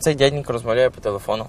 Цей дяденько розмовляє по телефону.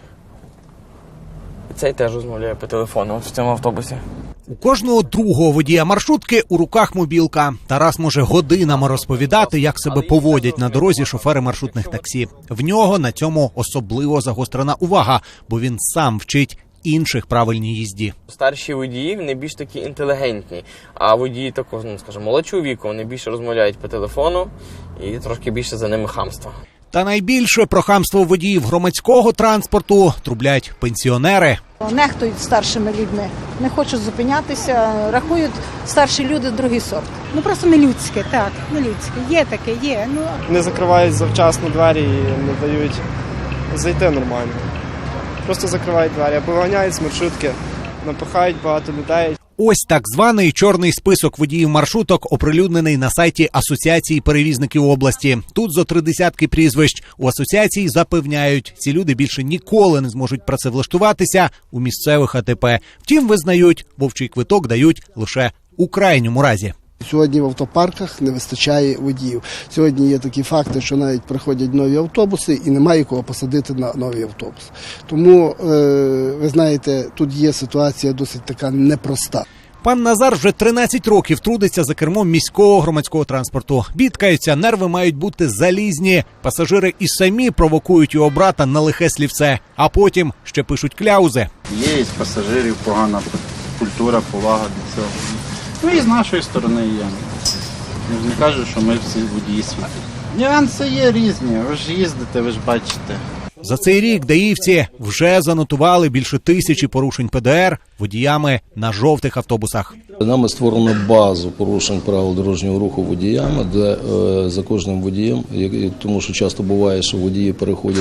Цей теж розмовляє по телефону в цьому автобусі. У кожного другого водія маршрутки у руках мобілка. Тарас може годинами розповідати, як себе поводять на дорозі шофери маршрутних таксі. В нього на цьому особливо загострена увага, бо він сам вчить інших правильній їзді. Старші водії, вони більш такі інтелігентні, а водії такого, скажімо, молодшого віку, вони більше розмовляють по телефону і трошки більше за ними хамства. Та найбільше про хамство водіїв громадського транспорту трублять пенсіонери. Нехтують старшими людьми, не хочуть зупинятися, рахують старші люди другий сорт. Ну просто нелюдське, так, нелюдське. Є таке, є. Ну. Не закривають завчасно двері і не дають зайти нормально. Просто закривають двері, або виганяють з маршрутки, напихають багато людей. Ось так званий чорний список водіїв маршруток оприлюднений на сайті Асоціації перевізників області. Тут зо 30 прізвищ. У асоціації запевняють, ці люди більше ніколи не зможуть працевлаштуватися у місцевих АТП. Втім, визнають, вовчий квиток дають лише у крайньому разі. Сьогодні в автопарках не вистачає водіїв. Сьогодні є такі факти, що навіть приходять нові автобуси і немає кого посадити на новий автобус. Тому, ви знаєте, тут є ситуація досить така непроста. Пан Назар вже 13 років трудиться за кермом міського громадського транспорту. Бідкаються, нерви мають бути залізні. Пасажири і самі провокують його брата на лихе слівце, а потім ще пишуть кляузи. Є із пасажирів погана культура, повага до цього. Ну і з нашої сторони є. Не кажу, що ми всі водії світу. Нюанси є різні, ви ж їздите, ви ж бачите. За цей рік даївці вже занотували більше 1000 порушень ПДР водіями на жовтих автобусах. Нами створено базу порушень правил дорожнього руху водіями, де за кожним водієм, тому що часто буває, що водії переходять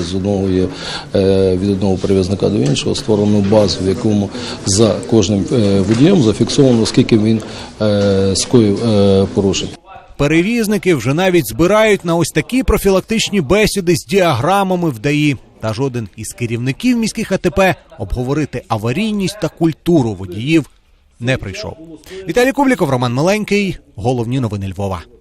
від одного перевізника до іншого, створено базу, в якому за кожним водієм зафіксовано, скільки він скоїв порушень. Перевізники вже навіть збирають на ось такі профілактичні бесіди з діаграмами в ДАІ. Та жоден із керівників міських АТП обговорити аварійність та культуру водіїв не прийшов. Віталій Кубліков, Роман Миленький. Головні новини Львова.